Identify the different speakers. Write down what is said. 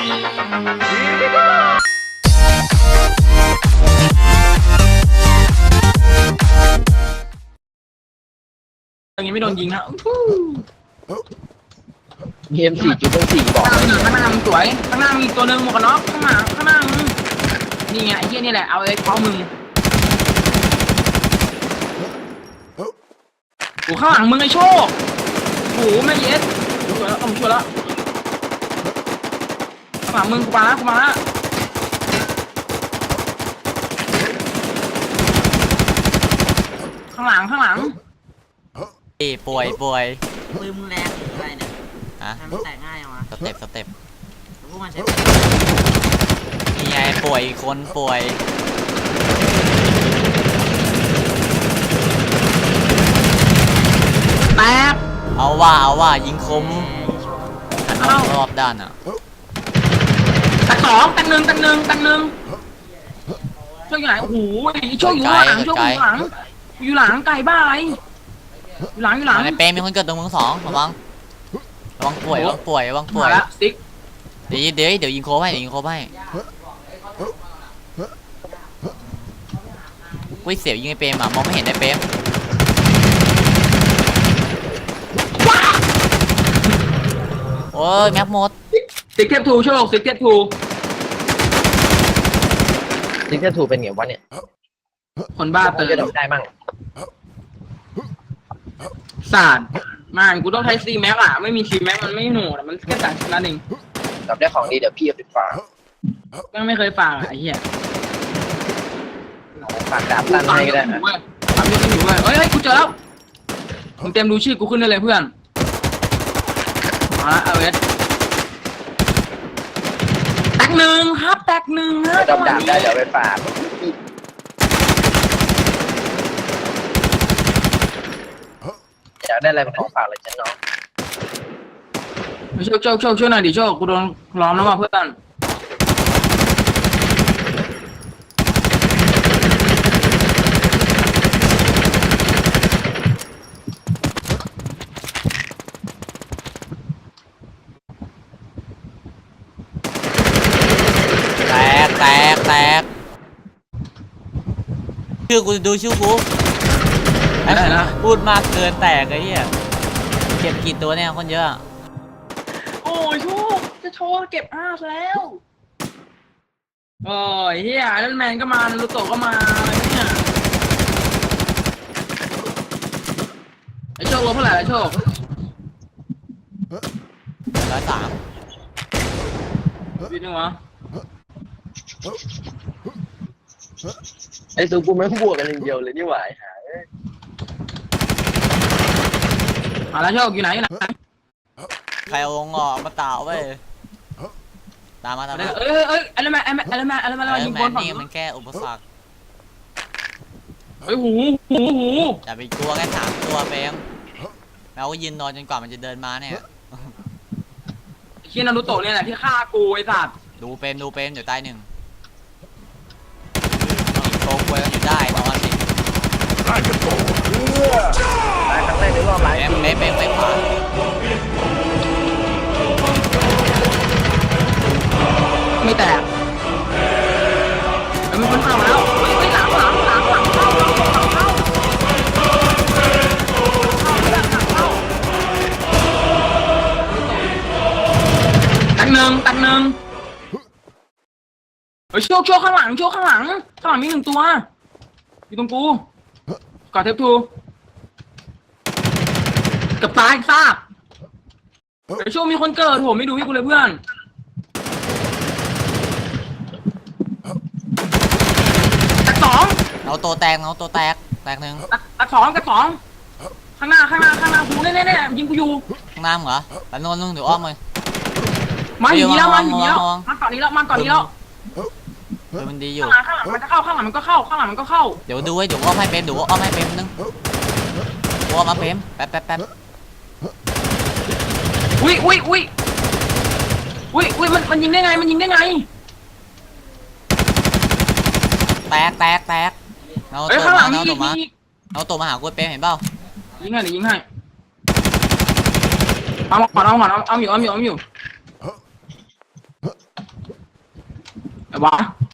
Speaker 1: อย่างนี้ไม่โดนยิงนะ
Speaker 2: เกม4.4บอก
Speaker 1: ข้างหน้ามึงสวยข้างหน้ามีตัวนึงหมวกกันน็อกข้างหน้ามึงนี่ไงไอ้เหี้ยนี่แหละเอาไอ้เขามึงโอ้ข้างหลังมึงไอ้โชคโอ้แม่เย็ดช่วยแล้วช่วยแล้วข้างหลังมึงกูมาแล้วข้างหลัง
Speaker 3: ป่วย
Speaker 4: ปืนมึงแรงอะไรเนี่ยทำแตกง่ายยังวะ
Speaker 3: สเต็ป
Speaker 4: พวกมันใช้
Speaker 3: นี่ไงป่วยคนป่วย
Speaker 1: แตก
Speaker 3: เอาว่ายิงคมรอบด้านอ่ะ
Speaker 1: ตักสองตักหนึ่งช่วยอยู่ไหนโอ้โหช่วยอยู่หลังอยู่หลังไก่บ้าอะไรอยู่หลัง
Speaker 3: ในเปรมมีคนเกิดตรงมึง2ระวังป่วย
Speaker 1: แล้วติ๊ก
Speaker 3: เดี๋ยวยิงโคให้กุ้ยเสียวยิงไอเปรมอ่ะมองไม่เห็นไอเปรมโอ้ยแม็กหมด
Speaker 1: ติ๊กเทปทูโชคติ๊กเทปทู
Speaker 2: เป็นไงวะเนี่ย
Speaker 1: คนบ้าเติม
Speaker 2: ได้มั่ง
Speaker 1: ศาสตร์มันกูต้องใช้ซีแม็กอะไม่มีซีแม็กมันไม่หนูมันแค่สั่งชนะเอง
Speaker 2: จับได้ของดีเดี๋ยวพี่เอาไปฝาก
Speaker 1: ยังไม่เคยฝากไอ้เหี้ย
Speaker 2: ฝากดาบตั้งให้ก็ได้นะ
Speaker 1: ทำยกไม่อยู่เว้ยเฮ้ยกูเจอแล้วมึงเต็มดูชื่อกูขึ้นได้เลยเพื่อนมาเอาเวสแตกหนึ่งครับแตกหนึ่งนะ
Speaker 2: จับดาบได้เดี๋ยวไปฝากอยากได้อะไรเป็นของฝากเลยฉันน้อง
Speaker 1: โชคช่วยหน่อยดิโชคกูโดนล้อมแล้วมาเพื่อน
Speaker 3: แตกชื่อกูดูชื่อกูพูดมากเกินแตกไอ้เหี้ยเก็บกี่ตัวเนี่ยคนเยอะ
Speaker 1: โอ้ยโชคจะโชว์เก็บ5แล้วโอ้ยเฮียนั่นแมนก็มาลูโตก็มาอะไรเนี่ยไอโชคลบเท่าไหร่ไอโชค
Speaker 3: 103
Speaker 1: วินนึงวะ
Speaker 2: ไอ้ตัวกูไม่บวกกันอย่างเดียวเลยนี่หว่าหา
Speaker 1: แล้วโชคอยู่ไหน
Speaker 3: ใครเอางอมาต่าไว้ตามมา
Speaker 1: อะไรมายิงบอลฝั่ง
Speaker 3: นี่มันแค่อุปสรรค
Speaker 1: หู
Speaker 3: อย่าไปกลัวแค่3ตัวเปมแล้วก็ยืนนอนจนกว่ามันจะเดินมาเนี่ย
Speaker 1: เคียนารุโตะเนี่ยแหละที่ฆ่ากูไอ้สัตว์
Speaker 3: ดูเปมเดี๋ยวตาย1โกงกวยกันอยู่ได้นอนสิ
Speaker 2: ตายครั้งแรกในรอบหลาย
Speaker 3: เปมขวา
Speaker 1: ไม่แตกมันเข้าแล้วไม่หลังเข้าตักหนึ่งเฮ้ยโชคข้างหลังมี1ตัวอยู่ตรงกูกอดเทปทูกับตายซากเฮ้ยโชคมีคนเกิดโหไม่ดูให้กูเลยเพื่อนตัก2
Speaker 3: เอาตัวแตกแตก1
Speaker 1: ตัก2ข้างหน้ากูแน่ยิงกูอยู่
Speaker 3: ข้างหน้าเหรอแต่นนเดี๋ยวอ้อมเลย
Speaker 1: มาอยู่นี่แล้วมาก่อนนี้แล้ว
Speaker 3: มันดีอยู่
Speaker 1: ข้างหลังมันจะเข้าข้างหลังมันก็เข้า
Speaker 3: เดี๋ยวดูไว้เดี๋ยวอ้อมให้เปมนึงอ้อมมาเปมแป๊บ
Speaker 1: อุ้ยมันยิงได้ไง
Speaker 3: แตกเอาตัวมาหากูเปมเห็นเปล่า
Speaker 1: ยิงให้เอาอยู่ไอ้วะ